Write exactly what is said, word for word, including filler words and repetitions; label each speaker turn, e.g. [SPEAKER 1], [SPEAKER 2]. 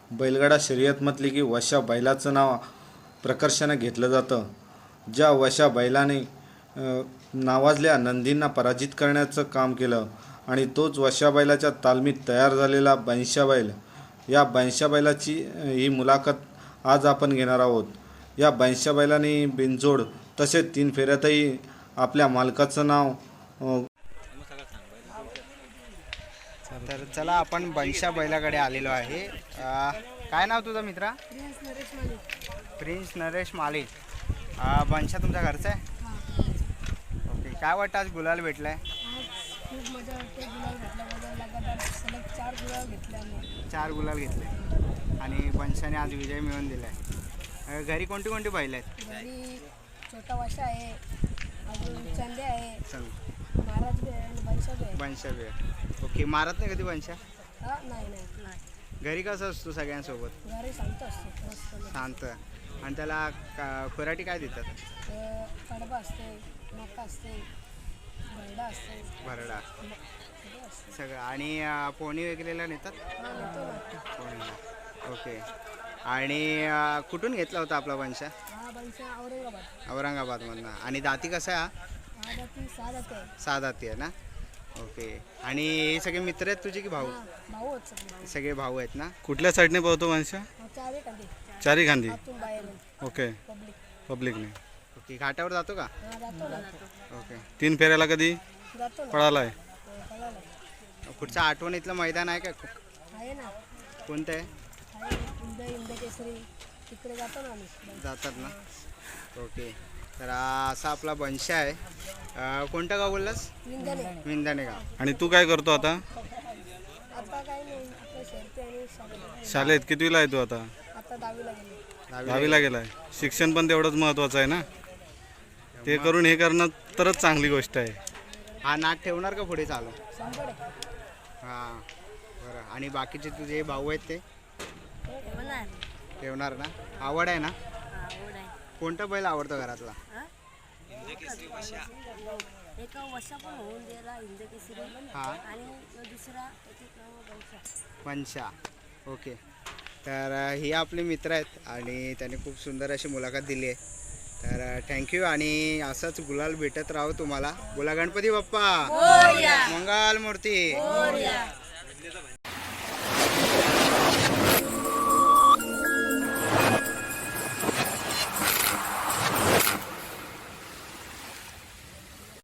[SPEAKER 1] बैलगाडा शर्यत म्हटली की वशा बैलाचं नाव प्रकर्षाने घेतलं जातं. ज्या वशा बैलाने नावाजल्या नंदींना पराजित करण्याचं काम केलं आणि तोच वशा बैलाच्या तालमीत तयार झालेला बनशा बैल. या बनशा बैलाची ही मुलाखत आज आपण घेणार आहोत. या बनशा बैलाने बिनजोड तसेच तीन फेऱ्यातही आपल्या मालकाचं नाव.
[SPEAKER 2] तर चला आपण बनशा बैलाकडे आलेलो आहे. काय नाव तुझं मित्रा? प्रिन्स नरेश माली. बनशा तुमच्या घरचा आहे? ओके. काय वाटतं आज गुलाल भेटलाय?
[SPEAKER 3] खूप मजा वाटते. गुलाल भेटल्याबद्दल लगातार सलग चार गुलाल घेतले आम्ही.
[SPEAKER 2] चार गुलाल घेतले आणि बनशाने आज विजय मिळवून दिलाय. घरी कोणती कोणती बैल आहेत?
[SPEAKER 3] घरी छोटा वाशा आहे, अजून चंदे आहे,
[SPEAKER 2] चल
[SPEAKER 3] महाराज बी आहे आणि बनशा बी आहे.
[SPEAKER 2] बनशा बी आहे. ओके. मारत नाही कधी बनशा?
[SPEAKER 3] हा नाही नाही नाही
[SPEAKER 2] घरी कसं असतो सगळ्यांसोबत?
[SPEAKER 3] घरी शांत असतो मस्त.
[SPEAKER 2] शांत. आणि त्याला का खुराटी काय देतात?
[SPEAKER 3] अं, कडबा असते, मका असते, भरडा असते,
[SPEAKER 2] भरडा
[SPEAKER 3] सगळं असते.
[SPEAKER 2] सगळं. आणि अं, पोणी वगैरेला नेतात?
[SPEAKER 3] हा नेतो ना.
[SPEAKER 2] पोणीला. ओके. आणि अं, कुठून घेतला होता आपला बनशा?
[SPEAKER 3] हा बनशा औरंगाबाद.
[SPEAKER 2] औरंगाबादमधनं. आणि दाती कसा आहे हा?
[SPEAKER 3] हा जाती सहा जाती आहे.
[SPEAKER 2] सहा दाती आहे ना? ओके. आणि हे सगळे मित्र आहेत तुझे की भाऊ?
[SPEAKER 3] हा भाऊ आहेत सगळे.
[SPEAKER 2] सगळे भाऊ आहेत ना?
[SPEAKER 4] कुठल्या साईडने पळतो माणसा?
[SPEAKER 3] हा चार एक आधी
[SPEAKER 4] चारी खांदी.
[SPEAKER 3] आतून बाहेर
[SPEAKER 4] ओके.
[SPEAKER 3] पब्लिक.
[SPEAKER 4] पब्लिकने.
[SPEAKER 2] ओके. घाटावर जातो का?
[SPEAKER 3] हा जातो ना.
[SPEAKER 2] ओके.
[SPEAKER 4] तीन फेऱ्याला कधी
[SPEAKER 3] जातो ना.
[SPEAKER 4] पळालाय?
[SPEAKER 3] हो, कळालं.
[SPEAKER 2] पुढचं आठवणीतलं मैदान आहे का?
[SPEAKER 3] आहे ना.
[SPEAKER 2] कोणतं आहे?
[SPEAKER 3] आहे इंद इंद केसरी तिकडे जातो ना आम्ही.
[SPEAKER 2] जातात ना? ओके. तर हा असा आपला बनशा आहे. अं, कोणतं गाव बोललास?
[SPEAKER 3] विंध्याने.
[SPEAKER 2] विंदाणे गाव.
[SPEAKER 4] आणि तू काय करतो आता?
[SPEAKER 3] आता काय नाही आपलं शर्ती आणि शाळेत.
[SPEAKER 4] शाळेत कितवीला आहे तू आता?
[SPEAKER 3] आता दहावीला गेले.
[SPEAKER 2] दहावी.
[SPEAKER 4] दहावीला गेलाय. शिक्षण पण तेवढंच महत्त्वाचं आहे ना. ते करून हे करणं तरच चांगली गोष्ट आहे.
[SPEAKER 2] हा नाट ठेवणार का पुढे चालू?
[SPEAKER 3] शंभर आहे.
[SPEAKER 2] हां. बरं. आणि बाकीचे तुझे भाऊ आहेत ते
[SPEAKER 3] होणार.
[SPEAKER 2] ठेवणार ना? आवड आहे ना?
[SPEAKER 3] आवड आहे.
[SPEAKER 2] कोणता बैल आवडतो घरातला?
[SPEAKER 3] एका वर्षा पण होऊन गेला हिंद केसरी
[SPEAKER 2] हां.
[SPEAKER 3] आणि दुसरा एक नाव बनशा.
[SPEAKER 2] पंचा. ओके. तर अ, हे आपले मित्र आहेत आणि त्यांनी खूप सुंदर अशी मुलाखत दिली आहे. तर थँक्यू. आणि असंच गुलाल भेटत राहो तुम्हाला. बोला गणपती बाप्पा मंगल मूर्ती.